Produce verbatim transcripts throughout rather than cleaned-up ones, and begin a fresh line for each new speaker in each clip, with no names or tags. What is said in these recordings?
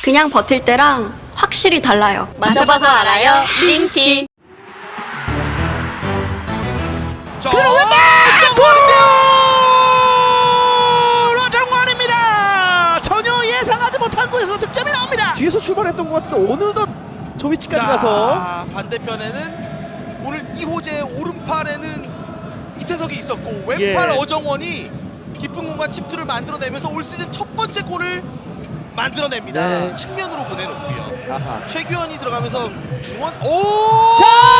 그냥 버틸 때랑 확실히 달라요.
마셔봐서 알아요. 링티.
자, 정원인데요. 정원입니다. 전혀 예상하지 못한 곳에서 득점이 나옵니다.
뒤에서 출발했던 것 같은데 어느덧 저 위치까지
자,
가서
반대편에는 오늘 이호재 오른팔에는 이태석이 있었고 왼팔
예.
어정원이 깊은 공간 침투를 만들어내면서 올 시즌 첫 번째 골을 만들어냅니다.
네.
측면으로 보내놓고요.
아하.
최규현이 들어가면서 중원 오!
자,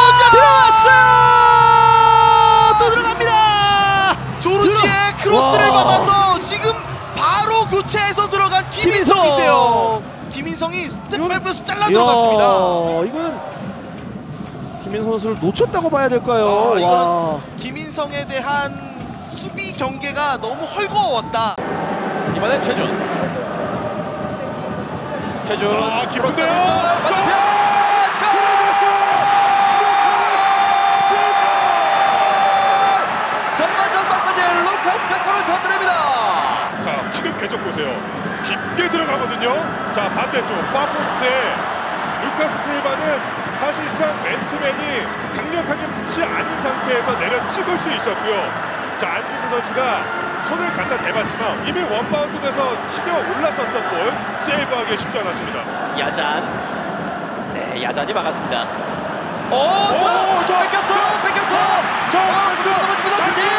들어왔어요! 또 들어갑니다.
조르지의 크로스를
와.
받아서 지금 바로 교체해서 들어간 김인성인데요. 김인성이 스텝 밟아서 잘라 들어갔습니다.
이건 김민성 선수를 놓쳤다고 봐야 될까요?
아,
와.
이거는 김인성에 대한 수비 경계가 너무 헐거웠다.
이번엔 최준. 최준.
아, 기쁜데요?
맞은편. 전반전 막바지 루카스가 골을 터뜨립니다.
자, 지금 궤적 보세요. 깊게 들어가거든요. 자, 반대쪽 파포스트에 루카스 실바는 사실상 맨투맨이 강력하게 붙지 않은 상태에서 내려 찍을 수 있었고요. 자, 안지수 선수가 손을 갖다 대봤지만 이미 원바운드 돼서 튀겨 올랐었던 볼 세이브하기 쉽지 않았습니다.
야잔. 네, 야잔이 막았습니다. 오,
오,
저,
저,
뺏겼어, 뺏겼어.
저,
아,
찬스!
들어가 넘어집니다.
찬스!
슈팅!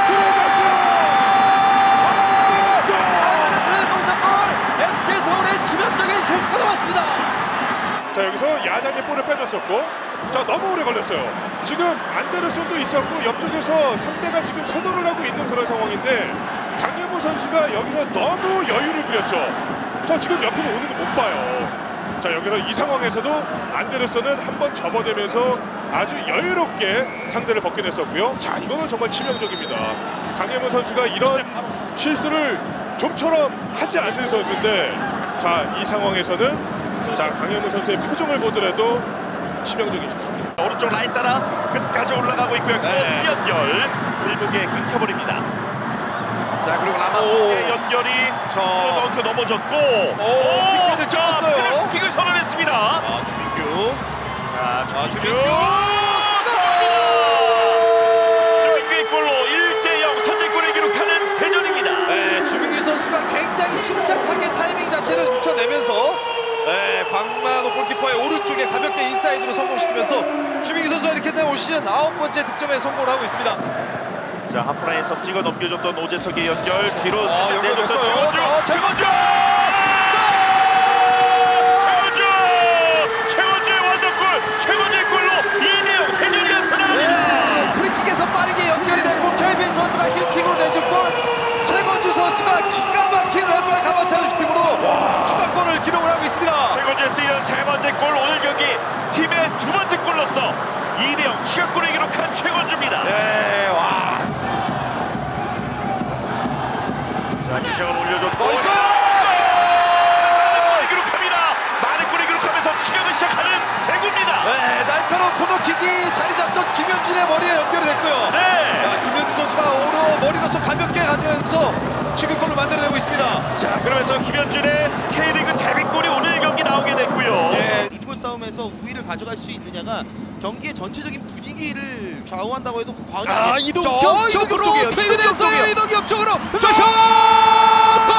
안드레스 동작골. 엑스씨 서울의 치명적인 실수가 나왔습니다.
자, 여기서 야잔이 볼을 빼줬었고, 자, 너무 오래 걸렸어요. 지금 안데르손도 있었고 옆쪽에서 상대가 지금 서도를 하고 있는 그런 상황인데 강현무 선수가 여기서 너무 여유를 부렸죠. 저 지금 옆에서 오는 거 못 봐요. 자, 여기서 이 상황에서도 안데르손은 한번 접어대면서 아주 여유롭게 상대를 벗겨냈었고요. 자, 이거는 정말 치명적입니다. 강현무 선수가 이런 실수를 좀처럼 하지 않는 선수인데, 자, 이 상황에서는 자, 강현무 선수의 표정을 보더라도 치명적인 실수입니다.
오른쪽 라인 따라 끝까지 올라가고 있고요. 크로스 연결 길목에 끊겨버립니다. 자, 그리고 라마스의 연결이 서서 넘어졌고
킥을 찍었어요.
킥을 선언했습니다.
아, 주민규.
자,
아,
주민규
주민규.
주민규의 골로 일 대 영 선제골을 기록하는 대전입니다.
네, 주민규 선수가 굉장히 침착하게 타이밍 자체를 늦춰내면서 네, 박만호 골키퍼의 오른쪽에 가볍게 인사이드로 성공시키면서 주민규 선수가 이렇게 되면 올 시즌 아홉 번째 득점에 성공을 하고 있습니다.
자, 하프라인에서 찍어 넘겨줬던 오재석의 연결 뒤로
아,
살짝 내줬던
연결됐어요.
최건주.
아,
최건주! 최건주! 최건주의 원더골! 최건주의 골로 이 대 영 대전이 앞서나갑니다.
네, 프리킥에서 빠르게 연결이 됐고 켈빈 선수가 힐킥으로 내준 골, 최건주 선수가 기가 막힌 왼발 가마차는 슈팅으로 추가골을 기록을 하고 있습니다.
최건주의 시즌 세 번째 골, 오늘 경기 팀의 두 번째 골로서 이 대 영 추가골을 기록한 최건주입니다.
네, 와.
자, 김정은 올려줬고
골!
골을 기록합니다. 많은 골을 기록하면서 추격을 시작하는 대구입니다.
네, 날카로운 코너킥이 자리 잡던 김현준의 머리에 연결이 됐고요.
네.
자, 김현준 선수가 오로 머리로서 가볍게 가져가면서 추격골을 만들어내고 있습니다.
자, 그러면서 김현준의 K리그 데뷔골이 오늘 경기 나오게 됐고요.
예, 이골 싸움에서 우위를 가져갈 수 있느냐가 경기의 전체적인 분위기를 좌우한다고 해도 과언이
아,
아니에요.
이동경
저,
쪽으로
이동경 쪽이에요.
퇴근했어요.
이동경
이동경 쪽으로.
저-
슛! 골!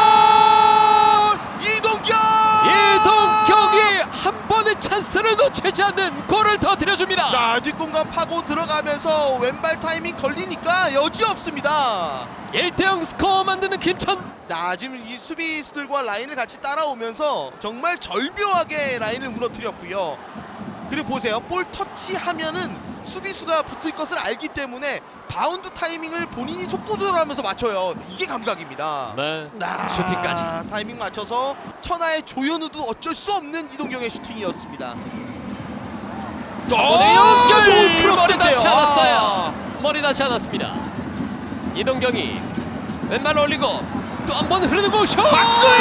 이동경!
이동경이 한 번의 찬스를 놓치지 않는 골을 터뜨려줍니다.
자, 뒷공간 파고 들어가면서 왼발 타이밍 걸리니까 여지 없습니다.
일 대 영 스코어 만드는 김천.
나 지금 이 수비수들과 라인을 같이 따라오면서 정말 절묘하게 라인을 무너뜨렸고요. 그리고 보세요, 볼 터치하면은 수비수가 붙을 것을 알기 때문에 바운드 타이밍을 본인이 속도 조절하면서 맞춰요. 이게 감각입니다.
네.
아,
슈팅까지.
타이밍 맞춰서 천하의 조현우도 어쩔 수 없는 이동경의 슈팅이었습니다.
번의
아,
연결.
좋은
머리
크로스인데요.
닿지
아.
않았어요. 머리 닿지 않았습니다. 이동경이 왼발 올리고 또 한 번 흐르는 공 슛.
박수희!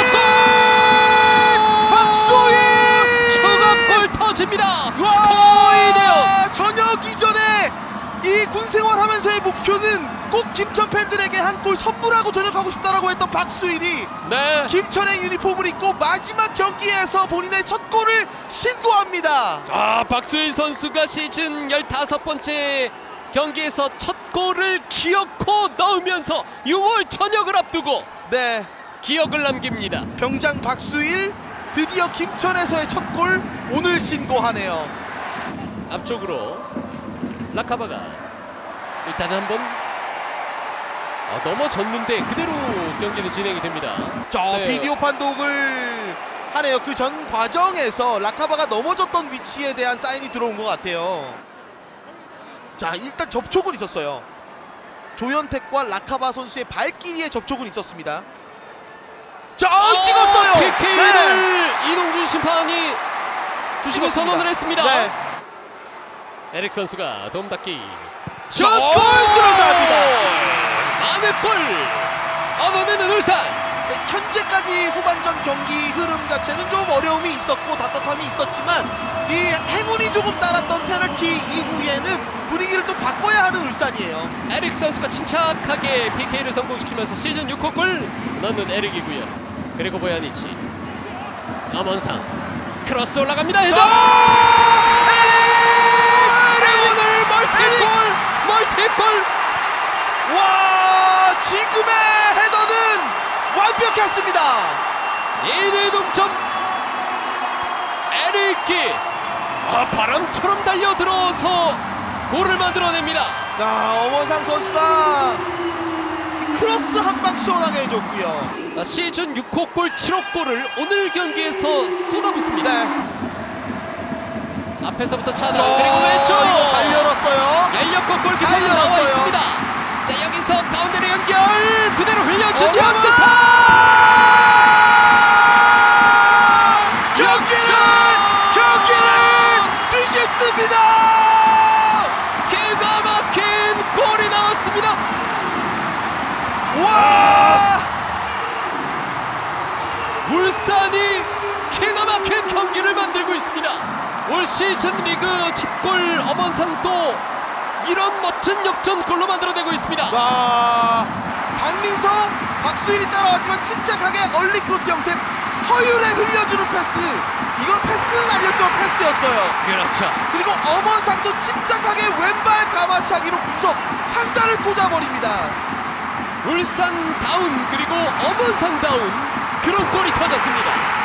박수희!
추가골 터집니다.
와!
스코어 이 대 영.
저녁 이전에 이 군산 생활하면서의 목표는 꼭 김천 팬들에게 한 골 선물하고 전역하고 싶다라고 했던 박수일이
네.
김천의 유니폼을 입고 마지막 경기에서 본인의 첫 골을 신고합니다.
아, 박수일 선수가 시즌 열다섯 번째 경기에서 첫 골을 기어코 넣으면서 유월 전역을 앞두고
네,
기억을 남깁니다.
병장 박수일 드디어 김천에서의 첫 골 오늘 신고하네요.
앞쪽으로 라카바가 일단 한번 아, 넘어졌는데 그대로 경기는 진행이 됩니다.
저
네.
비디오 판독을 하네요. 그 전 과정에서 라카바가 넘어졌던 위치에 대한 사인이 들어온 것 같아요. 자, 일단 접촉은 있었어요. 조현택과 라카바 선수의 발길이의 접촉은 있었습니다. 자, 어, 찍었어요.
피케이를
네.
이동준 심판이 주심을
찍었습니다.
선언을 했습니다.
네.
에릭 선수가 도움 닫기
자, 골 들어갑니다.
만회 골 얻어내는 울산.
네, 현재까지 후반전 경기 흐름 자체는 좀 어려움이 있었고 답답함이 있었지만 이 행운이 조금 따랐던 페널티 이후에는 분위기를 또 바꿔야 하는 울산이에요.
에릭 선수가 침착하게 피케이를 성공시키면서 시즌 육 호 골 넣는 에릭이고요. 그리고 보야니치 남원상 크로스 올라갑니다. 해서 에릭 오늘 멀티골 멀티골.
와, 지금의 헤더는 완벽했습니다.
이 대 동점. 에릭이 아, 바람처럼 달려들어서 골을 만들어냅니다.
자, 엄원상 선수가 크로스 한 방 시원하게 해줬고요.
아, 시즌 육 호 골 칠 호 골을 오늘 경기에서 쏟아붓습니다.
네.
앞에서부터 차단
저,
그리고 왼쪽
이거 잘 열었어요.
열렸고
잘
골키퍼는 나와
열었어요.
있습니다. 자, 여기서 가운데로 연결 그대로 흘려준
엄원상!
염원상
경기를 경기를 뒤집습니다.
기가 막힌 골이 나왔습니다.
와!
울산이 기가 막힌 경기를 만들고 있습니다. 올 시즌 리그 첫 골 엄원상도 이런 멋진 역전골로 만들어내고 있습니다.
와, 박민서, 박수일이 따라왔지만 침착하게 얼리 크로스 형태 허율에 흘려주는 패스. 이건 패스는 아니었지만 패스였어요.
그렇죠.
그리고 엄원상도 침착하게 왼발 가마차기로 구석 상단을 꽂아버립니다.
울산 다운 그리고 엄원상 다운 그런 골이 터졌습니다.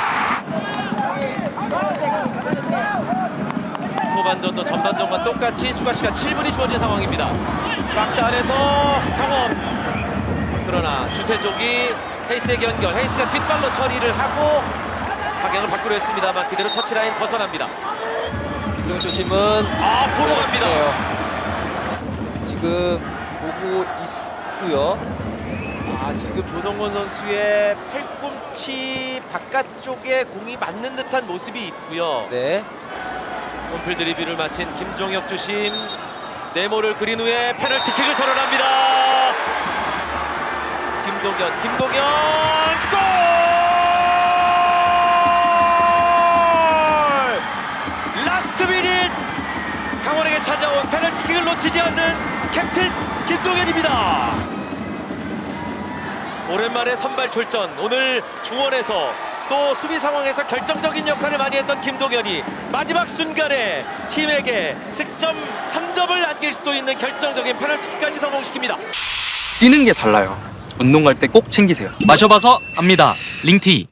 후반전도 전반전과 똑같이 추가 시간 칠 분이 주어진 상황입니다. 박스 안에서 강원. 그러나 주세종이 헤이스에게 연결. 헤이스가 뒷발로 처리를 하고 방향을 바꾸려 했습니다만 그대로 터치라인 벗어납니다.
김동현 심은
아, 보러 갑니다.
지금 보고 있고요.
아, 지금 조성권 선수의 팔꿈치 바깥쪽에 공이 맞는 듯한 모습이 있고요.
네.
홈플 드리블을 마친 김종혁 주심 네모를 그린 후에 페널티킥을 선언합니다. 김동현, 김동현 골! 라스트 미닛 강원에게 찾아온 페널티킥을 놓치지 않는 캡틴 김동현입니다. 오랜만에 선발 출전. 오늘 중원에서 또 수비 상황에서 결정적인 역할을 많이 했던 김동현이 마지막 순간에 팀에게 득점 삼 점을 안길 수도 있는 결정적인 페널티킥까지 성공시킵니다.
뛰는 게 달라요. 운동 갈 때 꼭 챙기세요. 마셔봐서 압니다. 링티.